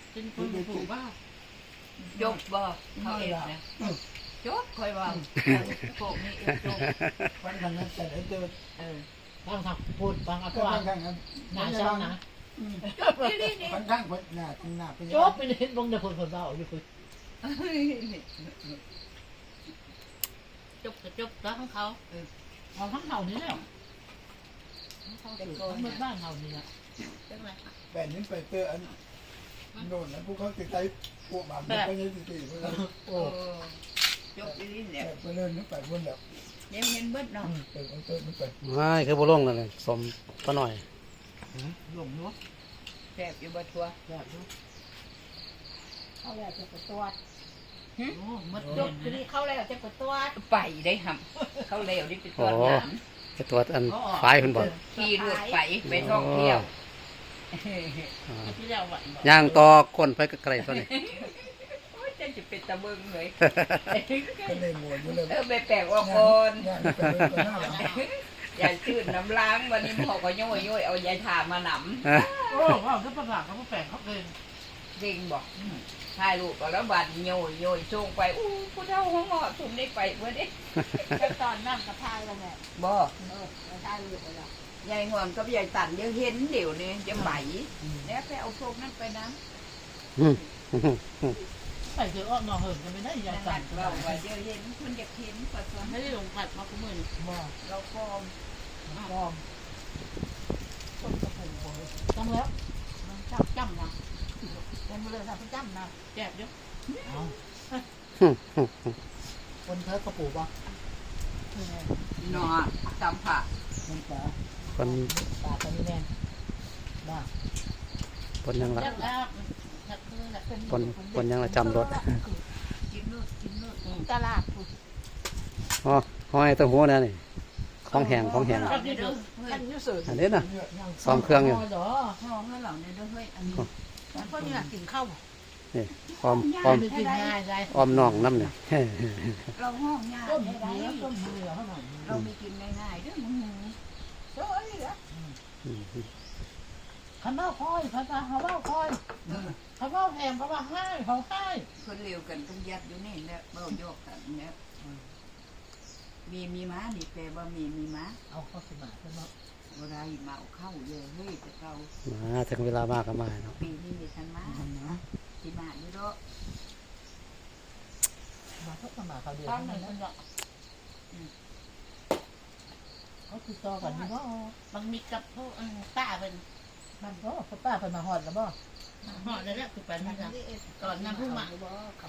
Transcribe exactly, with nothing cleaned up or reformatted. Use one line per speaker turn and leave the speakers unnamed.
เป็นคนผูกบ้า
จบบ่เขาเองนะจบคอยว่าพวกนี้จบ
วันทางนั้นแต่เดิน
เออ
ตั้งทางพูดตั้งอะไร
ก็ทางทางนั้น
หนาเช้านะ
จบที่นี่นี่
วันข้างคนหน้าหน้าเป็น
จบไปเห็นบงเด็กคนคนเบาอยู่คุยจบก็จบแล้วของเขาเอาทั้งเท่านี้แล้วเขาถือทั้งเมืองบ้านเท่านี้ละ
แบบนี้ไปเจออันโน่นแล้วพวกเขาติดใจพวกแบบไปยังติดติดเพื่อน
โอ้จบที่นี่เนี่ย
ไปเล่นนึกไปบนแบบ
เย็นเย็นเบิดเนาะ
ไปไปนึกไป
ไม่คือบ่ลงเลยสมปะหน่อย
หลงเนาะ
แซ่บอยู่บ่ทัว
แบบนี้
เขาแล้วจะไปตรวจ
โอ้มัด
จ
จ
บบ ทีนี้เขาแล้วจะไปตรวจ
ไปได้หำเขาเร็วนี่เป็นตัวหนาม
จะตรวจอันฝ่ายเพิ่นบ่
ขี่รถไปไปท่องเที่ยว
อ่า
ที่แล้ววัน
ย่างต่อก้นไปไกลๆตัวนี้
โอ้ยจะจะเป็นตะเบิงเลย
ก็เลยงวอยู่เลย
เออไปแปลกว่าก่อน
งานไปเลยหน้าหลัง
ยายชื่นน้ำล้างวันนี้พ่อก็ย่อยย่อยเอายายถามาหน
โอ้ว่าเขาประกาศเขาแปลงเขาเอง
ำเด้งบอกถ่ายรูปแล้วบัดย่อยย่อยส่งไปอู้ผู้เฒ่าหัวเหมาะสุ่มได้ไปเพื่อนเด้
แต่ตอนนั่งกระทายแล้วแหละ
บ่
เออกระทายอยู่แล้ว
ยายห่วงกับยายตันยังเห็นเดี๋ยวนี้จะไหมแล้วไปเอาพวกนั้นไปน้
อืม
ใส่เสื้ออ้อมนอนเหินกันไม่ได้
ำ
ยาย
ตั
สั่
ด
น
เราว่าเยอะเห็นคนอยากเห็นปัสสาวะ
ไม่ได้ลงผัดมาคุ้มือ
มา
เราฟอม
กองต้นกระปุกเลยจังแล้วจับจ้ำนะเป็นมาเลยนะพี่จ้ำนะแจกเยอะเอาคนเธอกระปุกป่ะ
หนอตำผัก
มันปลา
คน
ปลาตัวนี้แน่บ้า
คนยังละ
แล้วแล้ว
คนคนยังละจำรถ
กินนู่นกินนู่น
ตลาด
อ๋อห้อยตัวหัวนั่นนี่ของแห้งของแห้ง
กันนี่เด้อกันนี่สื่อ
อันนี้น่ะซ้อมเครื่องอยู่
เหรอ
ห้องแล้วเหล่านี้ด้วยเฮ้ยอันนี้
แล้วก็นี่กินข้าว
นี่ออมออม
ไม่กินง่ายใจ
ออมน่องน้ำเนี่ย
เราห้องยา
ต้ม
ไม่
เนื้
ได้
อต้มเนื้อเขาหน่อย
เราไม่กินง่ายๆเด้วยมึงโอ้ยเหรอ
ข้าวเม่าคอยภาษาข้าวเม่าคอยข้าวเม่าแพงเพราะว่าให้เขาให้
คนเร็วกันต้องยัดอยู่นี่แหละเบาโยกกันเนี่ยมีมีม้านี่แปลว่ามีมีม้า
เอาเข้าสมาใช่ไหม
อะไรมาเอาเข้าเยอะเฮ้ยแต่เรา
มาถึงเวลามากก็มาเนาะ
ปีนี้มีทันม้าที่มาอยู่ด้วย
มาเข้าสมาเขาเดียวนั่นแหละเขาติดต่อกันนี่ว่าบางมีกับพวกป้าเป็นมันก็ป้าเป็นมาหอดแล้วบ่หอดแล้วแหละคือไปนี่นะก่อนน้ำพุ่งมา